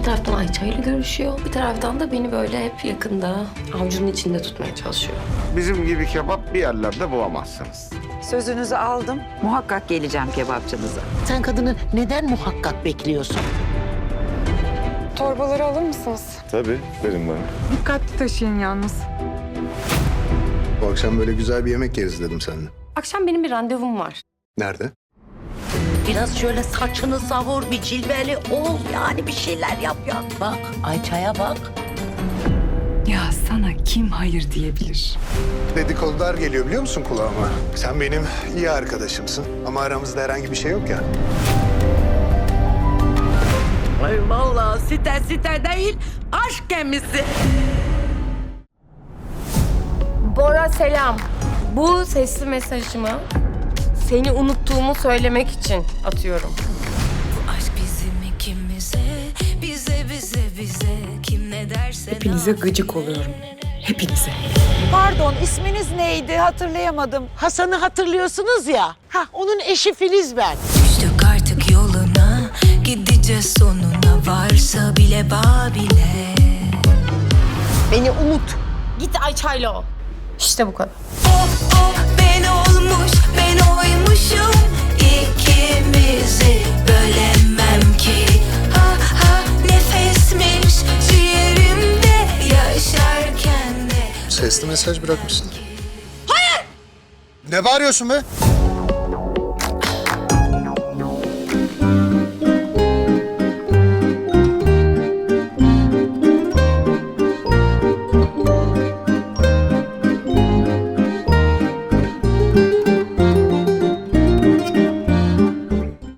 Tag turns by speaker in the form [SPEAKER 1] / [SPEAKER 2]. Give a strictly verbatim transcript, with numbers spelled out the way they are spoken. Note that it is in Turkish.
[SPEAKER 1] taraftan Ayça ile görüşüyor. Bir taraftan da beni böyle hep yakında avucunun içinde tutmaya çalışıyor.
[SPEAKER 2] Bizim gibi kebap bir yerlerde bulamazsınız.
[SPEAKER 3] Sözünüzü aldım. Muhakkak geleceğim kebapçınıza.
[SPEAKER 4] Sen kadını neden muhakkak bekliyorsun?
[SPEAKER 5] Torbaları alır mısınız?
[SPEAKER 6] Tabii, verin bana.
[SPEAKER 5] Dikkatli taşıyın yalnız.
[SPEAKER 7] Bu akşam böyle güzel bir yemek yeriz dedim seninle.
[SPEAKER 1] Akşam benim bir randevum var.
[SPEAKER 7] Nerede?
[SPEAKER 4] Biraz şöyle saçını savur, bir cilveli ol. Yani bir şeyler yap ya. Bak, Ayça'ya bak.
[SPEAKER 5] Ya sana kim hayır diyebilir?
[SPEAKER 7] Dedikodular geliyor biliyor musun kulağıma? Sen benim iyi arkadaşımsın ama aramızda herhangi bir şey yok ya.
[SPEAKER 4] Ay vallahi site site değil, aşk gemisi.
[SPEAKER 1] Bora selam. Bu sesli mesajımı seni unuttuğumu söylemek için atıyorum.
[SPEAKER 8] Aşk bizim ikimize, bize bize bize kim ne derse.
[SPEAKER 5] Hepinize gıcık oluyorum. Hepinize.
[SPEAKER 3] Pardon, isminiz neydi? Hatırlayamadım.
[SPEAKER 4] Hasan'ı hatırlıyorsunuz ya. Ha, onun eşi Filiz ben.
[SPEAKER 8] Düştük artık yoluna, gideceğiz sonuna varsa bile babile.
[SPEAKER 4] Beni unut.
[SPEAKER 1] Git Ayça'yla ol. İşte bu kadar.
[SPEAKER 8] Oh oh ben olmuş, ben oymuşum. İkimizi bölemem ki. Ha ha nefesmiş ciğerimde yaşarken de.
[SPEAKER 7] Sesli mesaj bırakmışsın. Hayır! Ne bağırıyorsun be?